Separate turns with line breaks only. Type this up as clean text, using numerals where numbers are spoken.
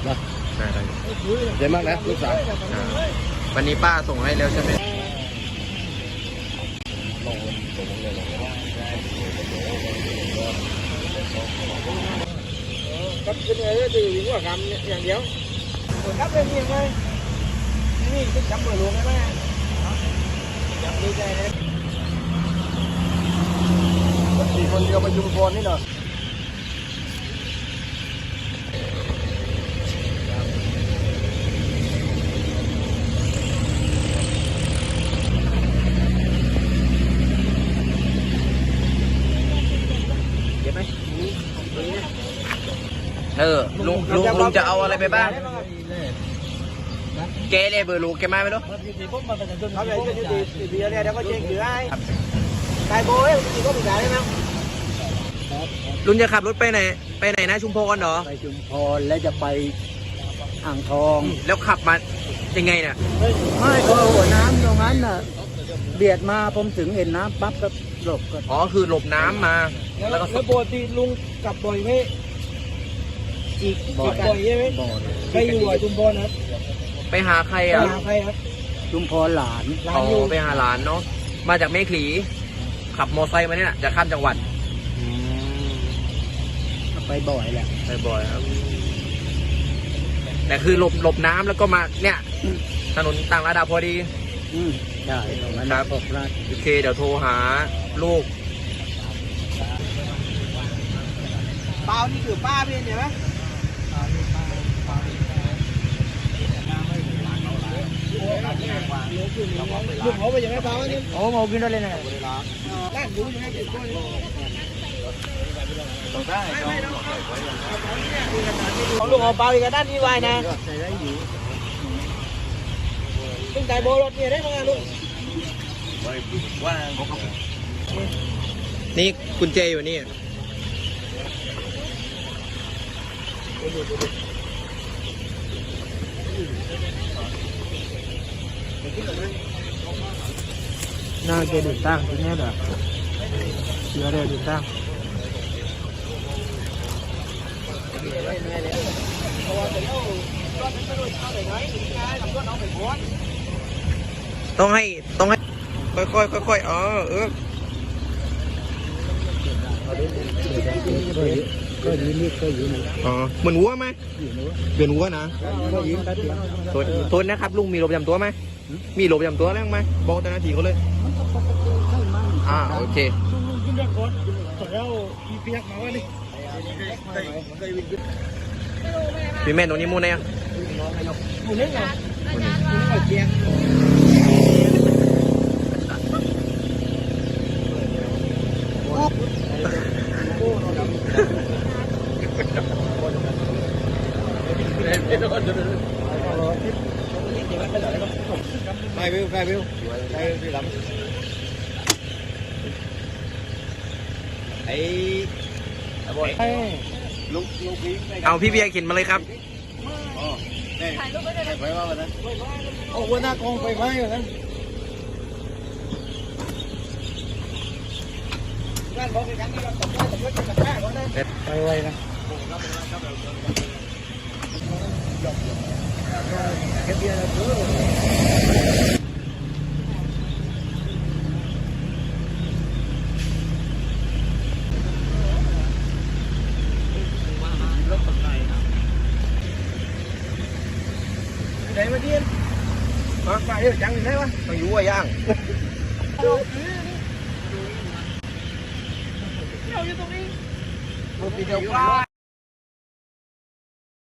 นะ
ได้ได้
เจ๋งมากนะลูกสาว
วันนี้ป้าส่งให้แล้วใช่ไหม
cấp cái này thì những quả camอย่างเดียวcấp lên nhiều thôiนี่cái cắm vừa luôn đấy má cắm đi đây đấy
สี่คนเดียวไปชุมพรนี่เนาะเก็บไหม
ลุงจะเอาอะไรไปบ้างเกเลยเบอร์ลูกแกมาไหมลูก
เขาเลยจะดีเนี่ยเดี๋ยวก็เจ๊งอยู่ได้ตายโบ้ยมีก็มีได้ไหม
ลุงจะขับรถไปไหนนะชุมพรเหรอ
ไปชุมพรแล้วจะไปอ่างทอง
แล้วขับมายังไงเนี่ย
ไม่ก็หัวน้ำตรงนั้นน่ะเบียดมาผมถึงเห็นน้ำปั๊บก็หลบก็
อ๋อคือหลบน้ำมาแล้วก็
แล้วปกติลุงกลับบ่อยไหม
จิก
บ่อยใช่ไหม
บ่อย
ไปอยู่ชุมพรครับ
ไปหาใคร
ไป
อ่ะ
หาใครครับ
ชุมพรหลาน
อ๋อไปหาหลานเนาะมาจากแม่ขลีขับมอไซค์มาเนี่ยจะข้ามจังหวัด
ไปบ่อยแหละ
ไปบ่อยครับแต่คือหลบน้ำแล้วก็มาเนี่ยถนนต่างระดับพอดี
ใช่ตรงนั้น
ครับ
ปกราช
โอเคเดี๋ยวโทรหาลูก
เปล่านี่คือป้าเป็นใช่ไหมลุงเขาไปยังไงเปล่าเนี่ย
โอ้มากินได้เลยนะ
แรกรู้ยังไงเด็กคนเขาลุงเอาเปล่าอีกด้านนี้ไว้นะตึ้งใจโบรถเนี่ยได้ไหมลุง
นี่กุญแจอยู่นี่
น่าจะดูตั้งตรงนี้แบบเชื่อได้ดูตั้ง
ต้องให้ค่อยอ๋อ
ก็ยืนนี่ก็ยืนนี่
อ๋อเหมือนวัวไหมเปลี่ยนวัวนะ
ก็ยืนแป๊บเดียว
โทษนะครับลุงมีโรคประจำตัวไหมมีโรคประจำตัวแล้วไหมบอกเจ้าหน้าที่เขาเลยโอเค
ขึ้นเรื่องก่อนแล้วมีเปียกมาว่านี่
พี่แม่ตรงนี้มูนเนี่ย
หมุนเล่นเหรอหมุนเล่นเอาเจียง
ใครวิวที่หลังไอ้บอยลูกพี่
เอาพี่เบียร์เข็นมาเลยครับ
อ๋อนี่ไปว่าวันนั้นโอ้หัวหน้ากองไฟฟ้าอยู่นั้น
ไปไวนะ
ไหนมาเดียนไปเดี๋ยวจังไหนวะ
ต้องยู่ว่าย่าง
เราอยู่ตรงนี้
รถตีเดียวป้าย